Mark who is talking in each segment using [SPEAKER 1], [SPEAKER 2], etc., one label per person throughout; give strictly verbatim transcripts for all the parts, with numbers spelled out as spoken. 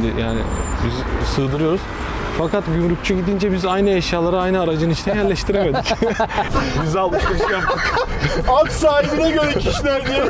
[SPEAKER 1] şimdi yani biz sığdırıyoruz. Fakat gümrükçü gidince biz aynı eşyaları aynı aracın içine yerleştiremedik. Biz alışveriş yaptık.
[SPEAKER 2] Alt sahibine göre kişiler diye.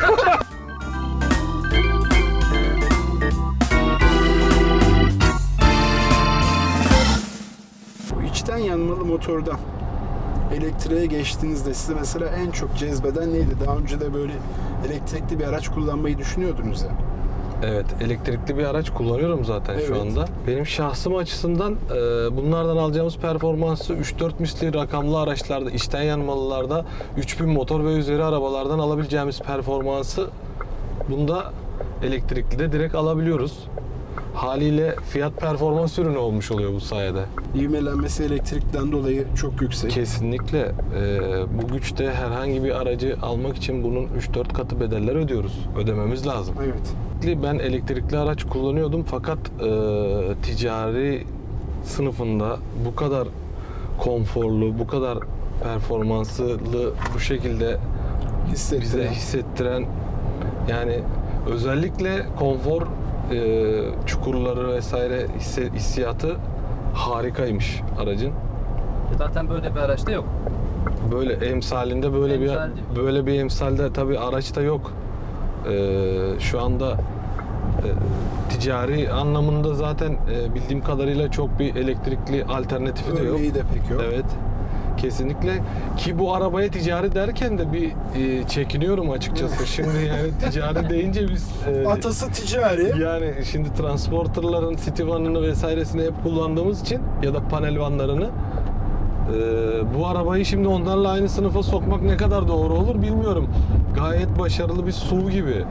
[SPEAKER 2] Bu içten yanmalı motordan elektriğe geçtiğinizde size mesela en çok cezbeden neydi? Daha önce de böyle elektrikli bir araç kullanmayı düşünüyordunuz ya.
[SPEAKER 1] Evet, elektrikli bir araç kullanıyorum zaten
[SPEAKER 2] Evet.
[SPEAKER 1] şu anda. Benim şahsım açısından e, bunlardan alacağımız performansı üç dört misli rakamlı araçlarda, içten yanmalılarda, üç bin motor ve üzeri arabalardan alabileceğimiz performansı bunda elektrikli de direkt alabiliyoruz. Haliyle fiyat performans ürünü olmuş oluyor bu sayede.
[SPEAKER 2] İvmelenmesi elektrikten dolayı çok yüksek.
[SPEAKER 1] Kesinlikle e, bu güçte herhangi bir aracı almak için bunun üç dört katı bedeller ödüyoruz. Ödememiz lazım.
[SPEAKER 2] Evet.
[SPEAKER 1] Ben elektrikli araç kullanıyordum fakat e, ticari sınıfında bu kadar konforlu, bu kadar performanslı bu şekilde bize
[SPEAKER 2] Hissettiren.
[SPEAKER 1] hissettiren, yani özellikle konfor e, çukurları vesaire hisse, hissiyatı harikaymış aracın.
[SPEAKER 3] Zaten böyle bir araçta yok.
[SPEAKER 1] Böyle emsalinde böyle
[SPEAKER 3] Emsal
[SPEAKER 1] bir
[SPEAKER 3] değil.
[SPEAKER 1] böyle bir emsalde tabii araçta yok. Ee, şu anda e, ticari anlamında zaten e, bildiğim kadarıyla çok bir elektrikli alternatifi de yok.
[SPEAKER 2] Örneği de pek yok.
[SPEAKER 1] Evet. Kesinlikle. Ki bu arabaya ticari derken de bir e, çekiniyorum açıkçası. Şimdi yani ticari deyince biz e,
[SPEAKER 2] Atası ticari.
[SPEAKER 1] yani şimdi transporterların city vanını vesairesini hep kullandığımız için ya da panel vanlarını e, bu arabayı şimdi onlarla aynı sınıfa sokmak ne kadar doğru olur bilmiyorum. Gayet başarılı bir S U V gibi.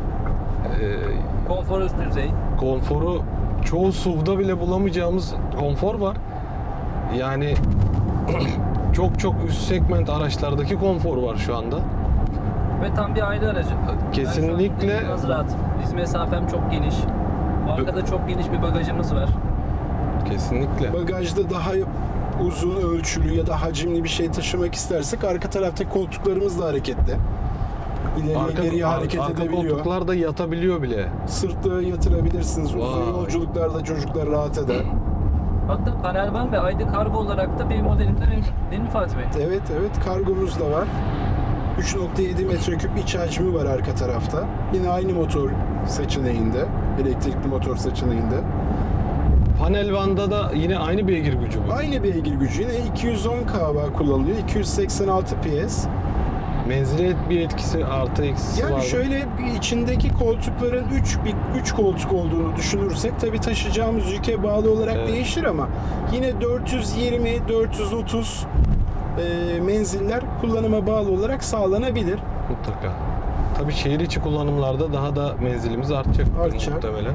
[SPEAKER 1] E,
[SPEAKER 3] Konfor üst düzey.
[SPEAKER 1] konforu çoğu S U V'da bile bulamayacağımız konfor var. Yani çok çok üst segment araçlardaki konfor var şu anda.
[SPEAKER 3] Ve tam bir aile aracı.
[SPEAKER 1] Kesinlikle.
[SPEAKER 3] Ben şu an biraz rahat. Diz mesafem çok geniş. Arkada çok geniş bir bagajımız var.
[SPEAKER 1] Kesinlikle.
[SPEAKER 2] Bagajda daha uzun ölçülü ya da hacimli bir şey taşımak istersek arka taraftaki koltuklarımız da hareketli. İleri
[SPEAKER 1] Arka,
[SPEAKER 2] geriye hareket
[SPEAKER 1] arka
[SPEAKER 2] edebiliyor.
[SPEAKER 1] koltuklar da yatabiliyor bile.
[SPEAKER 2] Sırtlığı yatırabilirsiniz. Uzun
[SPEAKER 1] Vay.
[SPEAKER 2] yolculuklarda çocuklar rahat eder.
[SPEAKER 3] Hatta panel van ve I D kargo olarak da benim modelimde benim, değil mi Fatih Bey?
[SPEAKER 2] Evet evet kargomuz da var. üç nokta yedi metreküp iç hacmi var arka tarafta. Yine aynı motor seçeneğinde. Elektrikli motor seçeneğinde.
[SPEAKER 1] Panel van'da da yine aynı beygir gücü bu.
[SPEAKER 2] Aynı beygir gücü. Yine iki yüz on kilowatt kullanılıyor. iki yüz seksen altı P S.
[SPEAKER 1] Menzile bir etkisi artı eksisi
[SPEAKER 2] Yani
[SPEAKER 1] var mı?
[SPEAKER 2] şöyle içindeki koltukların üç üç koltuk olduğunu düşünürsek tabii taşıyacağımız yüke bağlı olarak
[SPEAKER 1] Evet.
[SPEAKER 2] değişir ama yine dört yüz yirmi dört yüz otuz e, menziller kullanıma bağlı olarak sağlanabilir.
[SPEAKER 1] Mutlaka. Tabii şehir içi kullanımlarda daha da menzilimiz artacak
[SPEAKER 2] Artacak.
[SPEAKER 1] muhtemelen.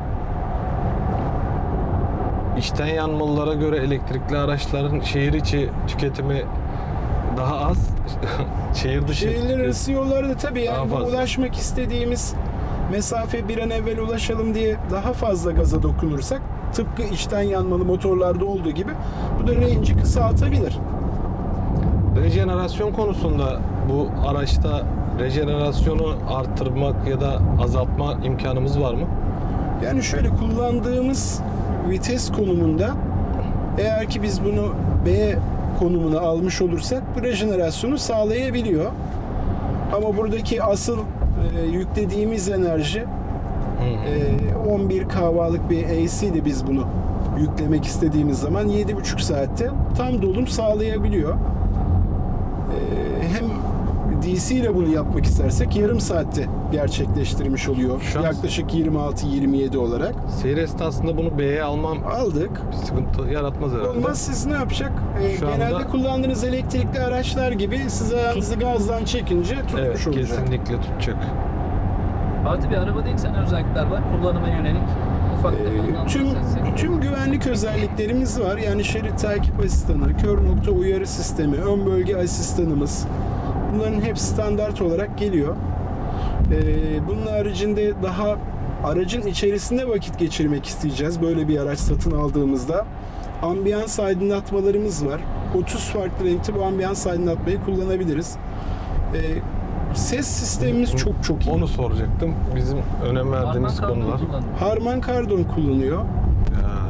[SPEAKER 1] İçten yanmalılara göre elektrikli araçların şehir içi tüketimi daha az. Şehir dışı
[SPEAKER 2] Şehirler arası yollarda tabii
[SPEAKER 1] Daha
[SPEAKER 2] yani bu
[SPEAKER 1] fazla.
[SPEAKER 2] ulaşmak istediğimiz mesafe bir an evvel ulaşalım diye daha fazla gaza dokunursak tıpkı içten yanmalı motorlarda olduğu gibi bu da range'i kısaltabilir.
[SPEAKER 1] rejenerasyon konusunda bu araçta rejenerasyonu arttırmak ya da azaltma imkanımız var mı?
[SPEAKER 2] Yani şöyle kullandığımız vites konumunda eğer ki biz bunu B konumuna almış olursak bu rejenerasyonu sağlayabiliyor. Ama buradaki asıl e, yüklediğimiz enerji e, on bir kilowattlık bir A C ile biz bunu yüklemek istediğimiz zaman yedi buçuk saatte tam dolum sağlayabiliyor. E, hem D C ile bunu yapmak istersek yarım saatte gerçekleştirmiş oluyor.
[SPEAKER 1] Şu an-
[SPEAKER 2] Yaklaşık yirmi altı yirmi yedi olarak.
[SPEAKER 1] Seyir esnasında bunu B'ye almam
[SPEAKER 2] Aldık.
[SPEAKER 1] bir sıkıntı yaratmaz herhalde.
[SPEAKER 2] Olmaz siz ne yapacak? Ee,
[SPEAKER 1] Şu
[SPEAKER 2] genelde
[SPEAKER 1] anda-
[SPEAKER 2] kullandığınız elektrikli araçlar gibi siz ayağınızı gazdan çekince tutmuş
[SPEAKER 1] Evet,
[SPEAKER 2] olacak.
[SPEAKER 1] kesinlikle tutacak.
[SPEAKER 3] Fatih Bey arabada ilk sene özellikler var. Kullanıma yönelik. Ufak
[SPEAKER 2] Ee,
[SPEAKER 3] tefek
[SPEAKER 2] tüm
[SPEAKER 3] anlatırsak.
[SPEAKER 2] tüm güvenlik özelliklerimiz var. Yani şerit takip asistanı, kör nokta uyarı sistemi, ön bölge asistanımız. Bunların hepsi standart olarak geliyor. Ee, bunun haricinde daha aracın içerisinde vakit geçirmek isteyeceğiz. Böyle bir araç satın aldığımızda ambiyans aydınlatmalarımız var. otuz farklı renkte bu ambiyans aydınlatmayı kullanabiliriz. Ee, ses sistemimiz çok çok iyi.
[SPEAKER 1] Onu soracaktım. Bizim önem verdiğimiz
[SPEAKER 3] Harman karbon
[SPEAKER 1] konular.
[SPEAKER 3] kullanımı.
[SPEAKER 2] Harman Kardon kullanıyor.
[SPEAKER 1] Ya,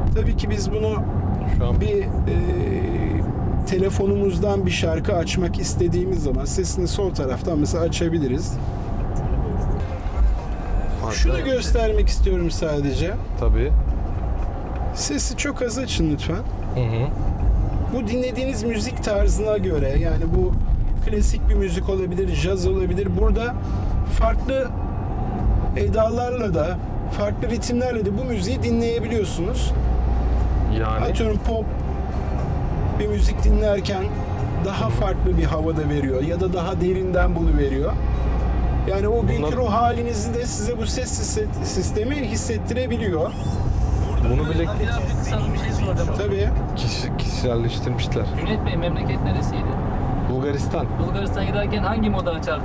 [SPEAKER 2] Tabii ki biz bunu
[SPEAKER 1] Şu an
[SPEAKER 2] bir e, telefonumuzdan bir şarkı açmak istediğimiz zaman sesini sol taraftan mesela açabiliriz. Şunu göstermek istiyorum sadece.
[SPEAKER 1] tabii.
[SPEAKER 2] Sesi çok az açın lütfen.
[SPEAKER 1] Hı hı.
[SPEAKER 2] Bu dinlediğiniz müzik tarzına göre, yani bu klasik bir müzik olabilir, caz olabilir. Burada farklı edalarla da, farklı ritimlerle de bu müziği dinleyebiliyorsunuz.
[SPEAKER 1] Yani
[SPEAKER 2] Atıyorum pop bir müzik dinlerken daha farklı bir havada veriyor ya da daha derinden bunu veriyor. Yani o günkü
[SPEAKER 1] Bunlar-
[SPEAKER 2] ruh halinizi de size bu ses hisset- sistemi hissettirebiliyor.
[SPEAKER 1] bunu bile
[SPEAKER 3] Birazcık sana bir şey soracağım.
[SPEAKER 2] Tabii.
[SPEAKER 1] kişi, kişiselleştirmişler.
[SPEAKER 3] Cüneyt Bey, memleket neresiydi?
[SPEAKER 1] Bulgaristan.
[SPEAKER 3] Bulgaristan'a giderken hangi moda açardın?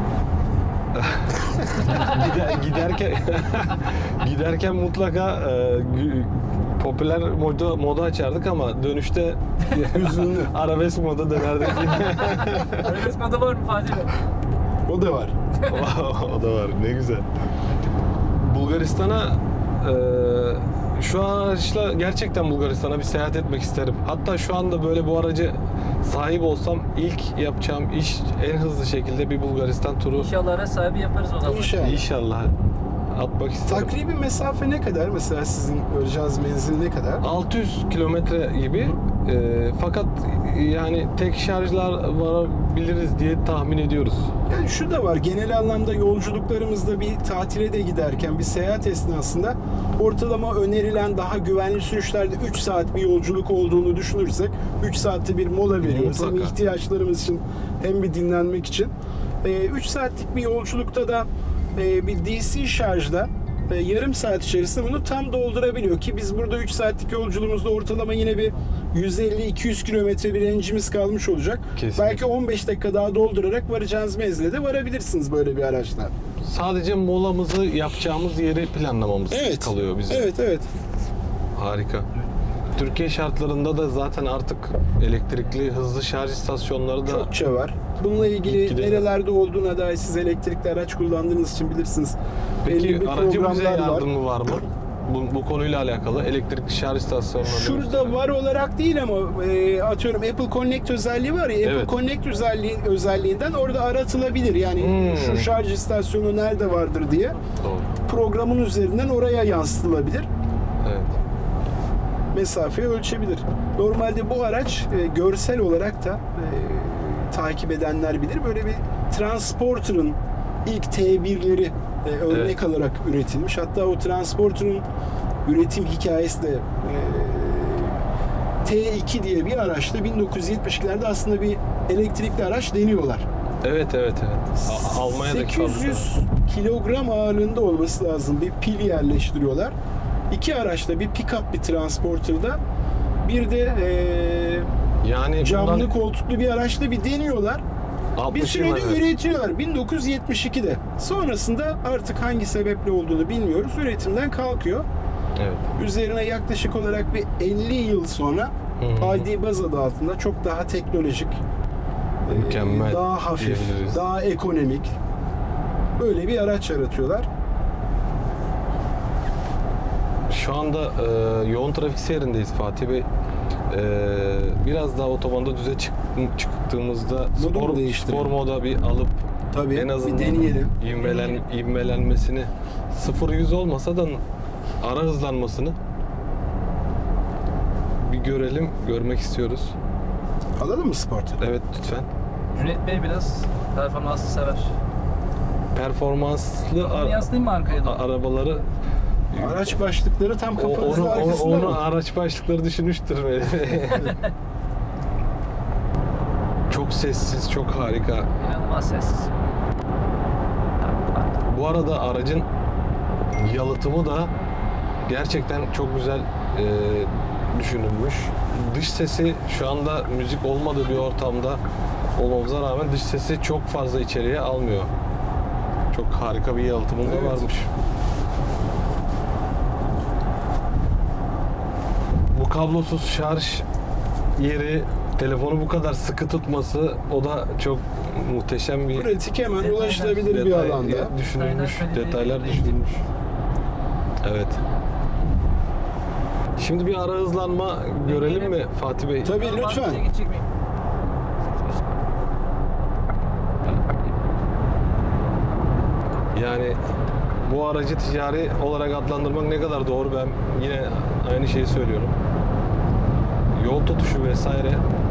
[SPEAKER 1] Gider, giderken giderken mutlaka e, gü- popüler moda, moda açardık ama dönüşte
[SPEAKER 2] Hüzünlü.
[SPEAKER 1] arabesk moda dönerdik.
[SPEAKER 3] Arabesk moda var mı Fatih Bey?
[SPEAKER 2] O da var.
[SPEAKER 1] O da var. Ne güzel. Bulgaristan'a e, şu araçla gerçekten Bulgaristan'a bir seyahat etmek isterim. Hatta şu anda böyle bu aracı sahip olsam ilk yapacağım iş en hızlı şekilde bir Bulgaristan turu.
[SPEAKER 3] İnşallah araç sahibi yaparız o zaman.
[SPEAKER 2] İnşallah.
[SPEAKER 1] İnşallah atmak isterim.
[SPEAKER 2] Takribi mesafe ne kadar? Mesela sizin varacağınız menzil ne kadar?
[SPEAKER 1] altı yüz kilometre gibi e, fakat yani tek şarjlar varabiliriz diye tahmin ediyoruz.
[SPEAKER 2] Yani şu da var, genel anlamda yolculuklarımızda bir tatile de giderken bir seyahat esnasında ortalama önerilen daha güvenli sürüşlerde üç saat bir yolculuk olduğunu düşünürsek üç saatte bir mola veriyoruz. Hem
[SPEAKER 1] Mutlaka.
[SPEAKER 2] ihtiyaçlarımız için hem bir dinlenmek için. üç saatlik bir yolculukta da e, bir D C şarjda e, yarım saat içerisinde bunu tam doldurabiliyor ki biz burada üç saatlik yolculuğumuzda ortalama yine bir yüz elli iki yüz kilometre bir range'imiz kalmış olacak.
[SPEAKER 1] Kesinlikle.
[SPEAKER 2] Belki on beş dakika daha doldurarak varacağınız menzile de varabilirsiniz böyle bir araçla.
[SPEAKER 1] Sadece molamızı yapacağımız yeri planlamamız kalıyor bize.
[SPEAKER 2] Evet, evet.
[SPEAKER 1] Harika. Türkiye şartlarında da zaten artık elektrikli hızlı şarj istasyonları da
[SPEAKER 2] Çokça var. Bununla ilgili
[SPEAKER 1] Gitgide-
[SPEAKER 2] nerelerde olduğuna dair siz elektrikli araç kullandığınız için bilirsiniz. Belli
[SPEAKER 1] Peki
[SPEAKER 2] bir
[SPEAKER 1] aracı bize
[SPEAKER 2] programlar var.
[SPEAKER 1] yardımı var mı? Bu, bu konuyla alakalı elektrikli şarj istasyonları.
[SPEAKER 2] Şurada var olarak değil ama e, atıyorum Apple Connect özelliği var ya, Apple
[SPEAKER 1] Evet.
[SPEAKER 2] Connect özelliği, özelliğinden orada aratılabilir. Yani
[SPEAKER 1] Hmm.
[SPEAKER 2] şu şarj istasyonu nerede vardır diye
[SPEAKER 1] Doğru.
[SPEAKER 2] programın üzerinden oraya yansıtılabilir.
[SPEAKER 1] Evet.
[SPEAKER 2] Mesafeyi ölçebilir. Normalde bu araç e, görsel olarak da e, takip edenler bilir. Böyle bir Transporter'ın ilk T birleri e, örnek
[SPEAKER 1] Evet.
[SPEAKER 2] alarak üretilmiş. Hatta o Transporter'ın üretim hikayesi de e, T iki diye bir araçta bin dokuz yüz yetmişlerde aslında bir elektrikli araç deniyorlar.
[SPEAKER 1] Evet evet evet. A- Almanya'daki
[SPEAKER 2] sekiz yüz kilogram ağırlığında olması lazım bir pil yerleştiriyorlar. İki araçta, bir pick-up bir transporter'da, bir de eee
[SPEAKER 1] yani
[SPEAKER 2] camlı
[SPEAKER 1] bundan
[SPEAKER 2] koltuklu bir araçta bir deniyorlar. Bir
[SPEAKER 1] altmış yıl
[SPEAKER 2] sürede
[SPEAKER 1] evvel.
[SPEAKER 2] üretiyorlar bin dokuz yüz yetmiş ikide. Sonrasında artık hangi sebeple olduğunu bilmiyoruz. Üretimden kalkıyor.
[SPEAKER 1] Evet.
[SPEAKER 2] Üzerine yaklaşık olarak bir elli yıl sonra
[SPEAKER 1] Hı hı.
[SPEAKER 2] I D Buzz adı altında çok daha teknolojik, eee,
[SPEAKER 1] Mükemmel
[SPEAKER 2] daha hafif,
[SPEAKER 1] diyebiliriz.
[SPEAKER 2] daha ekonomik böyle bir araç yaratıyorlar.
[SPEAKER 1] Şu anda e, yoğun trafik seyrindeyiz Fatih Bey. E, biraz daha otobanda düze çık, çıktığımızda
[SPEAKER 2] Modu mu
[SPEAKER 1] spor,
[SPEAKER 2] değiştirelim?
[SPEAKER 1] spor moda bir alıp
[SPEAKER 2] Tabii
[SPEAKER 1] en azından
[SPEAKER 2] bir deneyelim.
[SPEAKER 1] ivmelen, ivmelenmesini sıfır yüz olmasa da ara hızlanmasını bir görelim, görmek istiyoruz.
[SPEAKER 2] Alalım mı Sport'u?
[SPEAKER 1] Evet lütfen.
[SPEAKER 3] Cüneyt Bey biraz performanslı sever.
[SPEAKER 1] Performanslı
[SPEAKER 3] Onu
[SPEAKER 1] a-
[SPEAKER 3] yansıtayım mı arkaya
[SPEAKER 1] a-
[SPEAKER 3] doğru?
[SPEAKER 1] arabaları
[SPEAKER 2] Araç başlıkları tam
[SPEAKER 1] o,
[SPEAKER 2] kafanızın
[SPEAKER 1] onu, onu,
[SPEAKER 2] arkasında
[SPEAKER 1] onu
[SPEAKER 2] mı?
[SPEAKER 1] araç başlıkları düşünmüştür. Çok sessiz, çok harika.
[SPEAKER 3] İnanılmaz sessiz.
[SPEAKER 1] Bu arada aracın yalıtımı da gerçekten çok güzel e, düşünülmüş. Dış sesi şu anda müzik olmadığı bir ortamda olmamıza rağmen dış sesi çok fazla içeriye almıyor. Çok harika bir yalıtımı da
[SPEAKER 2] Evet.
[SPEAKER 1] varmış. Bu kablosuz şarj yeri, telefonu bu kadar sıkı tutması o da çok muhteşem bir
[SPEAKER 2] Pratik, hemen
[SPEAKER 3] Detaylar-
[SPEAKER 2] ulaşılabilir bir
[SPEAKER 1] detay
[SPEAKER 2] alanda.
[SPEAKER 1] düşünülmüş,
[SPEAKER 3] Detaylar kaliteli
[SPEAKER 1] detaylar
[SPEAKER 3] değil.
[SPEAKER 1] düşünülmüş. Evet. Şimdi bir ara hızlanma görelim mi Fatih Bey?
[SPEAKER 2] Tabii,
[SPEAKER 3] Ben
[SPEAKER 2] lütfen.
[SPEAKER 3] bahçeye gidecek miyim?
[SPEAKER 1] Yani bu aracı ticari olarak adlandırmak ne kadar doğru, ben yine aynı şeyi söylüyorum. Yol tutuşu vesaire.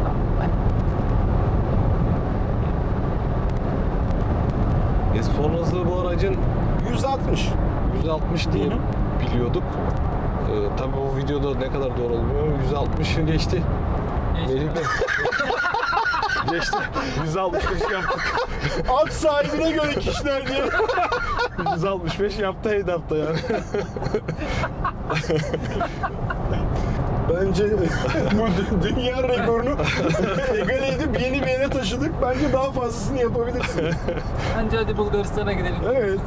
[SPEAKER 1] E son hızı bu aracın
[SPEAKER 2] yüz altmış.
[SPEAKER 1] yüz altmış diye
[SPEAKER 2] Hı hı.
[SPEAKER 1] biliyorduk. Ee, tabii bu videoda ne kadar doğru olmuyor. yüz altmışı geçti.
[SPEAKER 3] Geçti.
[SPEAKER 1] Melih Bey. Geçti. yüz altmış beş yaptık.
[SPEAKER 2] At sahibine göre kişiler diye.
[SPEAKER 1] yüz altmış beş yaptı Heydap'ta yani.
[SPEAKER 2] Bence bu dü- dünya rekorunu egale edip yeni bir yere taşıdık. Bence daha fazlasını yapabilirsin.
[SPEAKER 3] Bence hadi Bulgaristan'a gidelim.
[SPEAKER 2] Evet.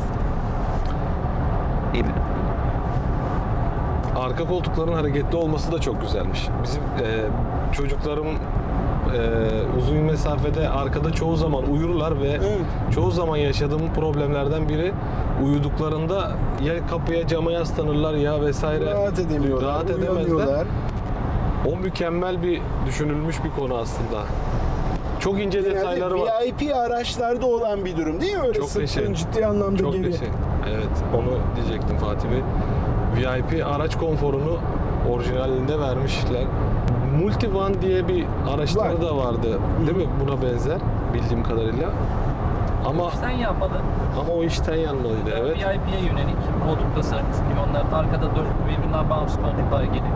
[SPEAKER 1] Arka koltukların hareketli olması da çok güzelmiş. Bizim e, çocuklarım e, uzun mesafede arkada çoğu zaman uyurlar ve
[SPEAKER 2] Evet.
[SPEAKER 1] çoğu zaman yaşadığım problemlerden biri, uyuduklarında ya kapıya cama yaslanırlar ya vesaire.
[SPEAKER 2] Rahat edemiyorlar.
[SPEAKER 1] Rahat edemezler.
[SPEAKER 2] uyuyamıyorlar.
[SPEAKER 1] O mükemmel bir düşünülmüş bir konu aslında. Çok ince detayları var.
[SPEAKER 2] V I P araçlarda olan bir durum değil mi? Öyle
[SPEAKER 1] Çok
[SPEAKER 2] sırtın
[SPEAKER 1] teşekkür-
[SPEAKER 2] ciddi anlamda
[SPEAKER 1] Çok
[SPEAKER 2] geri.
[SPEAKER 1] teşekkür. Evet, onu diyecektim Fatih Bey. V I P araç konforunu orijinalinde vermişler. Multivan diye bir araçları
[SPEAKER 2] Var.
[SPEAKER 1] da vardı, değil mi? Buna benzer bildiğim kadarıyla. Ama
[SPEAKER 3] Sen yapmalı.
[SPEAKER 1] ama o işten yanmalıydı, evet.
[SPEAKER 3] V I P'ye yönelik koltuk tasarımcısı gibi, onlar arkada dört birbirinden bağımsız koltuklar geliyor.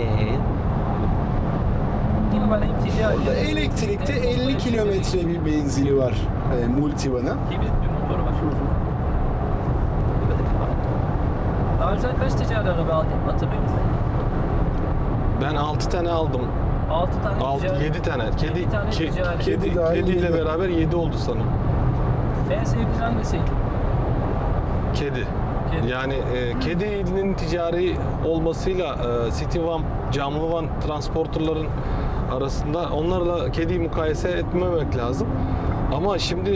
[SPEAKER 3] Yine bana ticari.
[SPEAKER 2] Orada elektrikte elli kilometre bir menzili var e, Multivan'ın.
[SPEAKER 3] Hibrit bir motoru var. Daha önce kaç ticari araba aldın hatırlıyor musun?
[SPEAKER 1] Ben altı tane aldım.
[SPEAKER 3] altı tane
[SPEAKER 1] altı
[SPEAKER 3] ticari.
[SPEAKER 1] yedi tane. Kedi
[SPEAKER 3] yedi tane
[SPEAKER 1] ke-
[SPEAKER 3] ticari.
[SPEAKER 1] kedi
[SPEAKER 2] Kedi dahil
[SPEAKER 1] kediyle
[SPEAKER 2] yedi.
[SPEAKER 1] beraber yedi oldu sanırım.
[SPEAKER 3] En sevdiğin hangisiydi?
[SPEAKER 1] Kedi.
[SPEAKER 3] Kedi.
[SPEAKER 1] Yani e, kedinin ticari olmasıyla e, City Van, camlı van transporterların arasında, onlarla kediyi mukayese etmemek lazım. Ama şimdi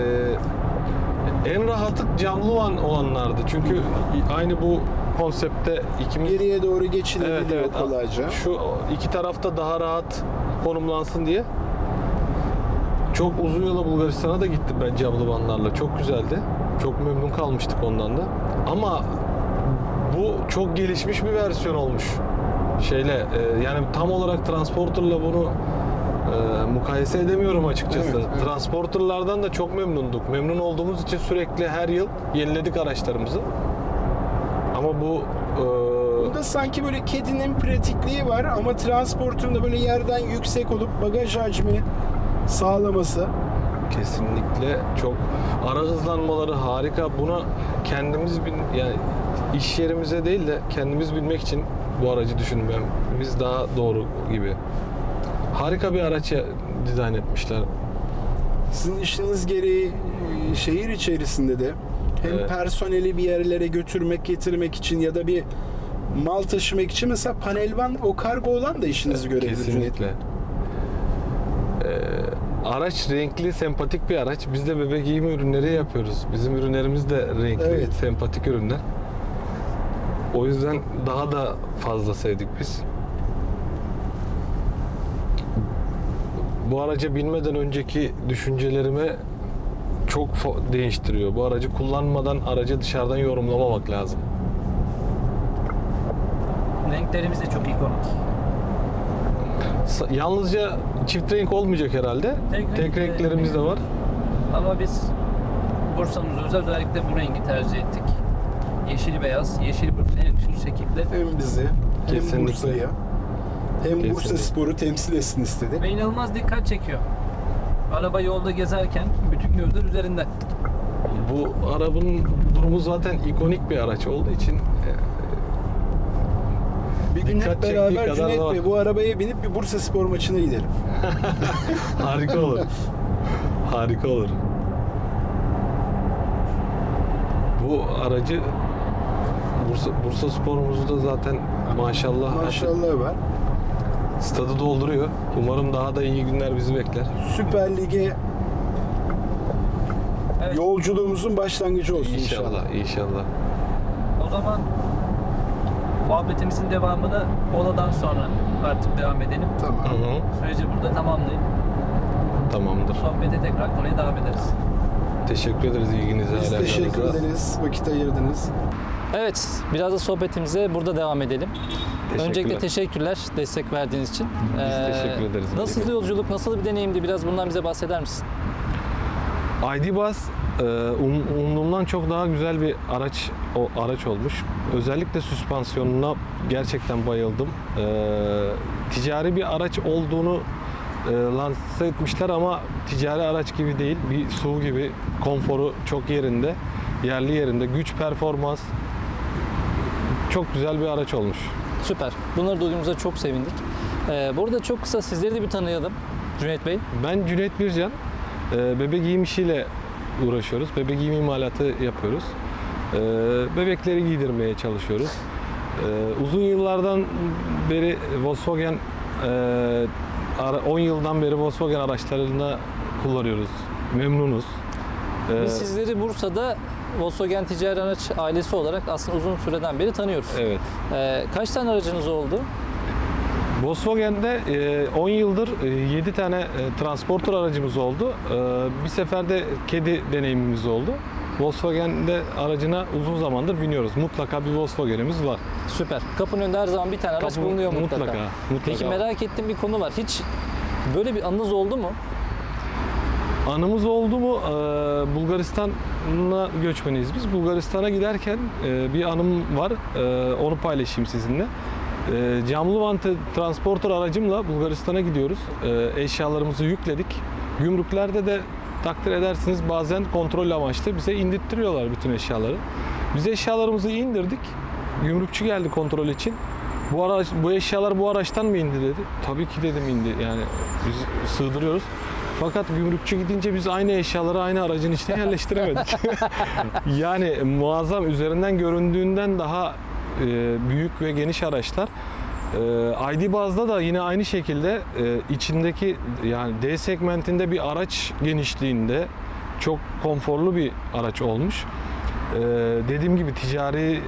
[SPEAKER 1] e, en rahatı camlı van olanlardı. Çünkü aynı bu konsepte ikimiz...
[SPEAKER 2] Geriye doğru geçilebiliyor
[SPEAKER 1] Evet, evet.
[SPEAKER 2] kolayca.
[SPEAKER 1] Şu iki tarafta daha rahat konumlansın diye. Çok uzun yola Bulgaristan'a da gittim ben camlı vanlarla. Çok güzeldi. Çok memnun kalmıştık ondan da. Ama bu çok gelişmiş bir versiyon olmuş. Şeyle e, yani tam olarak transporterla bunu e, mukayese edemiyorum açıkçası.
[SPEAKER 2] Evet, evet.
[SPEAKER 1] Transporterlardan da çok memnunduk. Memnun olduğumuz için sürekli her yıl yeniledik araçlarımızı. Ama bu e,
[SPEAKER 2] Bunda sanki böyle kedinin pratikliği var ama transportunda böyle yerden yüksek olup bagaj hacmi sağlaması.
[SPEAKER 1] kesinlikle çok, ara hızlanmaları harika. Buna kendimiz bin, yani iş yerimize değil de kendimiz binmek için bu aracı düşünmemiz daha doğru gibi. Harika bir araç ya- dizayn etmişler.
[SPEAKER 2] Sizin işiniz gereği e, şehir içerisinde de hem
[SPEAKER 1] Evet.
[SPEAKER 2] personeli bir yerlere götürmek, getirmek için ya da bir mal taşımak için mesela panelvan, o kargo olan da işinizi görebilir.
[SPEAKER 1] Kesinlikle. Ee, araç renkli, sempatik bir araç. Biz de bebek giyimi ürünleri yapıyoruz. Bizim ürünlerimiz de renkli,
[SPEAKER 2] Evet.
[SPEAKER 1] sempatik ürünler. O yüzden daha da fazla sevdik biz. Bu araca binmeden önceki düşüncelerimi çok fo- değiştiriyor. Bu aracı kullanmadan aracı dışarıdan yorumlamamak lazım.
[SPEAKER 3] Renklerimiz de çok ikonik.
[SPEAKER 1] Sa- Yalnızca çift renk olmayacak herhalde.
[SPEAKER 3] Tek
[SPEAKER 1] Tek,
[SPEAKER 3] renk-
[SPEAKER 1] renklerimiz de var.
[SPEAKER 3] Ama biz Bursa'mızda özel özellikle bu rengi tercih ettik. Yeşil beyaz, yeşil Bursa'ya yakışır şekilde.
[SPEAKER 2] Hem bizi hem
[SPEAKER 1] Kesinlikle.
[SPEAKER 2] Bursa'ya hem Bursa
[SPEAKER 1] Kesinlikle.
[SPEAKER 2] Spor'u temsil etsin istedi.
[SPEAKER 3] Ve inanılmaz dikkat çekiyor. Araba yolda gezerken bütün gözler üzerinde.
[SPEAKER 1] Bu arabanın durumu zaten ikonik bir araç olduğu için e,
[SPEAKER 2] Bir gün
[SPEAKER 1] Dikkat
[SPEAKER 2] hep
[SPEAKER 1] çektiği
[SPEAKER 2] beraber
[SPEAKER 1] kadar
[SPEAKER 2] Cüneyt
[SPEAKER 1] da
[SPEAKER 2] Bey
[SPEAKER 1] var.
[SPEAKER 2] bu arabaya binip bir Bursa Spor maçına gidelim.
[SPEAKER 1] harika olur. Harika olur. Bu aracı Bursa, Bursa Spor'umuzu da zaten maşallah,
[SPEAKER 2] Maşallah var.
[SPEAKER 1] stadı dolduruyor. Umarım daha da iyi günler bizi bekler.
[SPEAKER 2] Süper Lig'e
[SPEAKER 3] Evet.
[SPEAKER 2] yolculuğumuzun başlangıcı olsun inşallah.
[SPEAKER 1] İnşallah, inşallah.
[SPEAKER 3] O zaman Muhabbetimizin devamını moladan sonra artık devam edelim.
[SPEAKER 2] Tamam.
[SPEAKER 1] Hı hı.
[SPEAKER 3] Süreci burada tamamlayıp
[SPEAKER 1] Tamamdır.
[SPEAKER 3] sohbete tekrar konuya devam ederiz.
[SPEAKER 1] Teşekkür ederiz ilginize.
[SPEAKER 2] Biz
[SPEAKER 1] alakanıza.
[SPEAKER 2] teşekkür ederiz. Vakit ayırdınız.
[SPEAKER 4] Evet, biraz da sohbetimize burada devam edelim.
[SPEAKER 1] Teşekkürler.
[SPEAKER 4] Öncelikle teşekkürler destek verdiğiniz için. Biz
[SPEAKER 1] teşekkür ederiz.
[SPEAKER 4] Nasıl bir yolculuk, nasıl bir deneyimdi? Biraz bundan bize bahseder misin?
[SPEAKER 1] I D Buzz e, um- umduğumdan çok daha güzel bir araç o araç olmuş. Özellikle süspansiyonuna gerçekten bayıldım. E, ticari bir araç olduğunu e, lanse etmişler ama ticari araç gibi değil. Bir S U V gibi, konforu çok yerinde, yerli yerinde, güç performans çok güzel bir araç olmuş.
[SPEAKER 4] Süper. Bunları duyduğumuza çok sevindik. Ee, burada çok kısa sizleri de bir tanıyalım Cüneyt Bey.
[SPEAKER 1] Ben Cüneyt Bircan. Ee, Bebek giyim işiyle uğraşıyoruz. Bebek giyim imalatı yapıyoruz. Ee, Bebekleri giydirmeye çalışıyoruz. Ee, Uzun yıllardan beri Volkswagen, e, ara- on yıldan beri Volkswagen araçlarını kullanıyoruz. Memnunuz. Ee,
[SPEAKER 4] Biz sizleri Bursa'da Volkswagen Ticari Araç ailesi olarak aslında uzun süreden beri tanıyoruz.
[SPEAKER 1] Evet.
[SPEAKER 4] Ee, kaç tane aracınız oldu?
[SPEAKER 1] Volkswagen'de e, on yıldır e, yedi tane e, transporter aracımız oldu. E, Bir seferde kedi deneyimimiz oldu. Volkswagen'de aracına uzun zamandır biniyoruz. Mutlaka bir Volkswagen'imiz var.
[SPEAKER 4] Süper. Kapının önünde her zaman bir tane araç
[SPEAKER 1] Kapı-
[SPEAKER 4] bulunuyor mutlaka.
[SPEAKER 1] mutlaka, mutlaka.
[SPEAKER 4] Peki merak ettiğim bir konu var. Hiç böyle bir anınız oldu mu?
[SPEAKER 1] Anımız oldu mu? Ee, Bulgaristan'a göçmeniyiz biz. Bulgaristan'a giderken e, bir anım var. Ee, onu paylaşayım sizinle. Ee, camlı vantı transporter aracımla Bulgaristan'a gidiyoruz. Ee, eşyalarımızı yükledik. Gümrüklerde de takdir edersiniz bazen kontrol amaçlı bize indirttiriyorlar bütün eşyaları. Biz eşyalarımızı indirdik. Gümrükçü geldi kontrol için. Bu araç, bu eşyalar bu araçtan mı indi dedi. Tabii ki dedim indi. Yani biz sığdırıyoruz. Fakat gümrükçü gidince biz aynı eşyaları aynı aracın içine yerleştiremedik. Yani muazzam, üzerinden göründüğünden daha e, büyük ve geniş araçlar. E, I D Buzz'da da yine aynı şekilde e, içindeki, yani D segmentinde bir araç genişliğinde çok konforlu bir araç olmuş. E, dediğim gibi ticari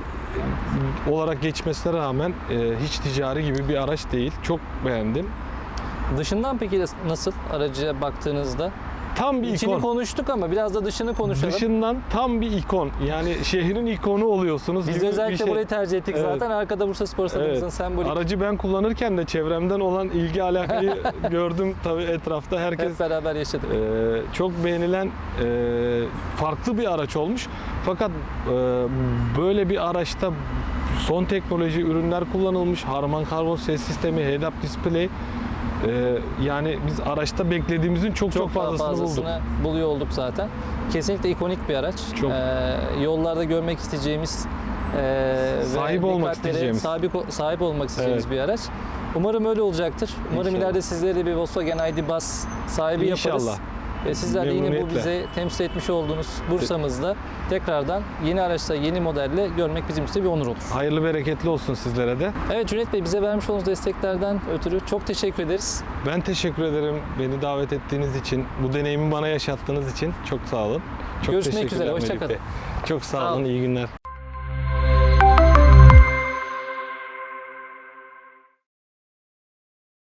[SPEAKER 1] olarak geçmesine rağmen e, hiç ticari gibi bir araç değil. Çok beğendim.
[SPEAKER 4] Dışından peki nasıl araca baktığınızda?
[SPEAKER 1] Tam bir
[SPEAKER 4] İçini
[SPEAKER 1] ikon.
[SPEAKER 4] konuştuk ama biraz da dışını konuşalım.
[SPEAKER 1] Dışından tam bir ikon. Yani şehrin ikonu oluyorsunuz.
[SPEAKER 4] Biz
[SPEAKER 1] gibi
[SPEAKER 4] de
[SPEAKER 1] bir
[SPEAKER 4] özellikle
[SPEAKER 1] şey.
[SPEAKER 4] burayı tercih ettik
[SPEAKER 1] Evet.
[SPEAKER 4] zaten. Arkada Bursa Spor Stadımızın
[SPEAKER 1] Evet.
[SPEAKER 4] sembolü.
[SPEAKER 1] Aracı ben kullanırken de çevremden olan ilgi alakayı gördüm tabii etrafta. Herkes
[SPEAKER 4] Hep beraber yaşadık.
[SPEAKER 1] e, çok beğenilen e, farklı bir araç olmuş. Fakat e, böyle bir araçta son teknoloji ürünler kullanılmış. Harman Karbon ses sistemi, head-up display. E, yani biz araçta beklediğimizin çok çok,
[SPEAKER 4] Çok daha
[SPEAKER 1] fazlasını, bulduk.
[SPEAKER 4] fazlasını buluyor olduk zaten. Kesinlikle ikonik bir araç.
[SPEAKER 1] Çok.
[SPEAKER 4] Ee, yollarda görmek isteyeceğimiz e,
[SPEAKER 1] Sahip
[SPEAKER 4] ve
[SPEAKER 1] olmak
[SPEAKER 4] dikkatlere
[SPEAKER 1] isteyeceğimiz.
[SPEAKER 4] Sahip, sahip olmak isteyeceğimiz
[SPEAKER 1] Evet.
[SPEAKER 4] bir araç. Umarım öyle olacaktır. Umarım
[SPEAKER 1] İnşallah.
[SPEAKER 4] ileride sizleri de bir Volkswagen I D Buzz sahibi yaparız.
[SPEAKER 1] İnşallah.
[SPEAKER 4] Ve sizler de yine bu
[SPEAKER 1] Memnuniyetle.
[SPEAKER 4] bize temsil etmiş olduğunuz Bursa'mızda tekrardan yeni araçla, yeni modelle görmek bizim için bir onur olur.
[SPEAKER 1] Hayırlı bereketli olsun sizlere de.
[SPEAKER 4] Evet Cüneyt Bey, bize vermiş olduğunuz desteklerden ötürü çok teşekkür ederiz.
[SPEAKER 1] Ben teşekkür ederim beni davet ettiğiniz için, bu deneyimi bana yaşattığınız için çok sağ olun. Çok
[SPEAKER 4] Görüşmek
[SPEAKER 1] teşekkürler
[SPEAKER 4] üzere, hoşça
[SPEAKER 1] Melih
[SPEAKER 4] kalın.
[SPEAKER 1] Bey. Çok sağ,
[SPEAKER 4] Sağ
[SPEAKER 1] olun,
[SPEAKER 4] olun.
[SPEAKER 1] iyi günler.